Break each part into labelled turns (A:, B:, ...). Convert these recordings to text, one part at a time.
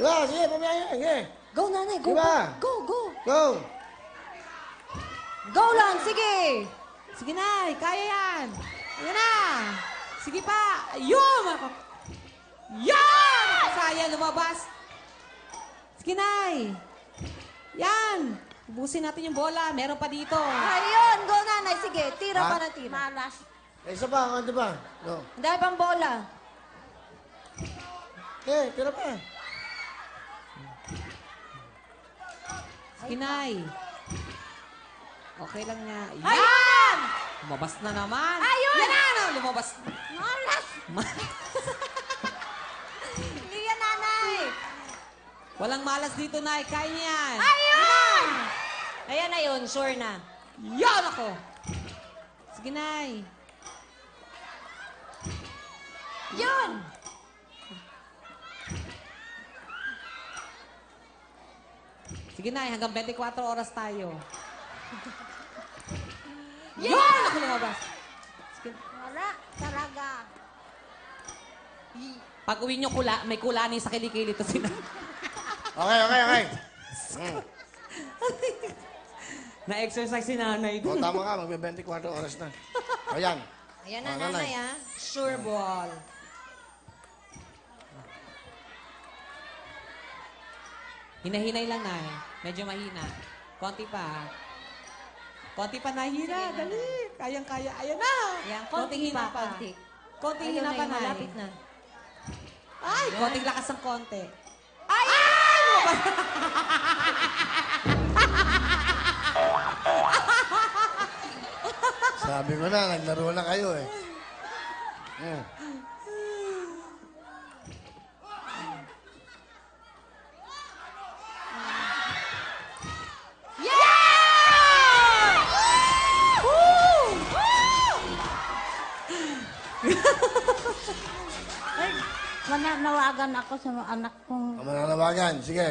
A: Diba? Sige, pamaya. Sige.
B: Go, nanay. Go.
A: Diba?
B: Go, go.
A: Go.
B: Go lang, sige. Sige, nay. Kaya yan. Ayan na. Sige pa. Ayun. Yan! Sayang, lumabas. Sige, nay. Yan. Ubusin natin yung bola. Meron pa dito.
C: Ayun, go nanay. Sige, tira
A: Ha?
C: pa na tira. Malas.
A: Isa pa, ano ba? Go.
C: Ang dami pang bola.
A: Tira pa.
B: Sige, nay. Okay lang niya. Yan!
C: Ayun!
B: Lumabas na naman.
C: Ayun!
B: Yan na! Lumabas.
C: Malas. Hindi yan, nanay.
B: Walang malas dito, nay. Kaya niya yan.
C: Ayun! Ayan na yun, sure na.
B: Yan ako. Sige, nay.
C: Yun!
B: Sige, nay. Hanggang 24 oras tayo. Yan! Ako lumabas. Sige.
C: Wala, talaga.
B: Pag uwi nyo, may kulani sa kilikili to sila.
A: Okay.
B: Na-exercise si nanay.
A: O, tama ka. Magbe-24 oras na. Ayan.
C: Ayan na,
A: nanay.
C: nanay, ah.
B: Sure ball. Hinahinay lang, nay. Medyo mahina. Konti pa. Konti pa nahina.
C: Sige,
B: Dali. Kayang-kaya. Ayan na.
C: Ayan,
B: Konting hina pa.
C: konti.
B: Konting
C: Ayun
B: hina
C: na
B: pa,
C: yun,
B: nay.
C: malapit na.
B: Ay, konting lakas ng konti.
C: Ay!
A: Sabi ko na, naglaro na kayo eh.
C: Yeah! Woo! Ay, mananawagan ako sa mga anak kong
A: Ang mananawagan. Sige.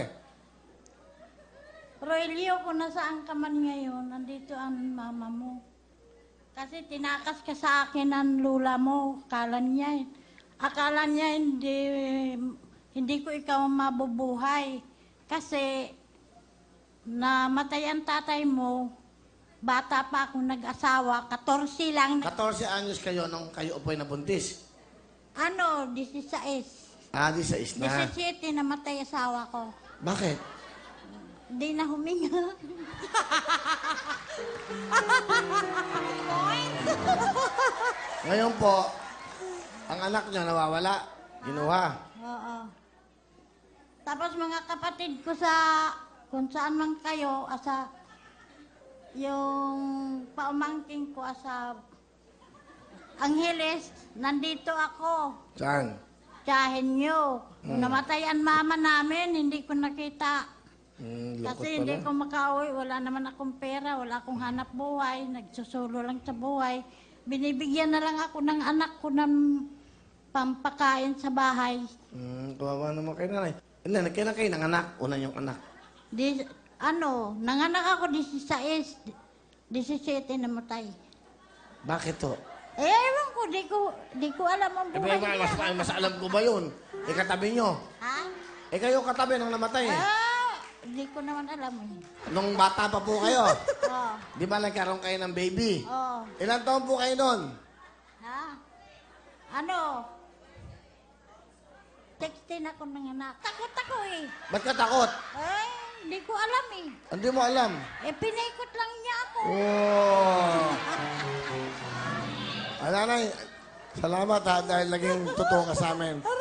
C: Roelio, kung nasaan ka man ngayon, nandito ang mama mo. Kasi tinakas ka sa akin ng lula mo. Akala niya hindi ko ikaw mabubuhay. Kasi namatay ang tatay mo, bata pa ako nag-asawa, 14 lang.
A: 14 anyos kayo nung kayo po'y nabuntis.
C: 16.
A: Ah, di sa isna.
C: 17 namatay asawa ko.
A: Bakit?
C: Hindi na huminga.
A: Ngayon po, ang anak niya nawawala. Ginuha.
C: Oo. Tapos mga kapatid ko kung saan man kayo, yung paumangking ko Angeles, nandito ako.
A: Saan?
C: Tiyahin nyo. Namatay ang mama namin, hindi ko nakita.
A: Lukot
C: Kasi
A: pala.
C: hindi ko makauwi, wala naman akong pera, wala akong hanap buhay, nagsusulo lang sa buhay. Binibigyan na lang ako ng anak ko ng pampakain sa bahay.
A: Kawawa naman kayo nanay. Hindi, nagkailan kayo ng anak? Una yung anak.
C: Nanganak ako 16, 17 namatay.
A: Bakit to?
C: Ewan ko, di ko alam ang buhay niya.
A: Mas alam ko ba yun? Katabi nyo.
C: Ha?
A: Kayo katabi nang namatay eh.
C: Di ko naman alam eh.
A: Nung bata pa po kayo.
C: Oo.
A: Di ba nagkaroon kayo ng baby?
C: Oo.
A: Ilang taon po kayo nun?
C: Ha? 16 ako nanganak. Takot ako eh.
A: Ba't ka takot?
C: Di ko alam eh.
A: Hindi mo alam.
C: Pinaikot lang niya ako.
A: Oh. Nanay, salamat ha dahil naging totoo ka sa amin.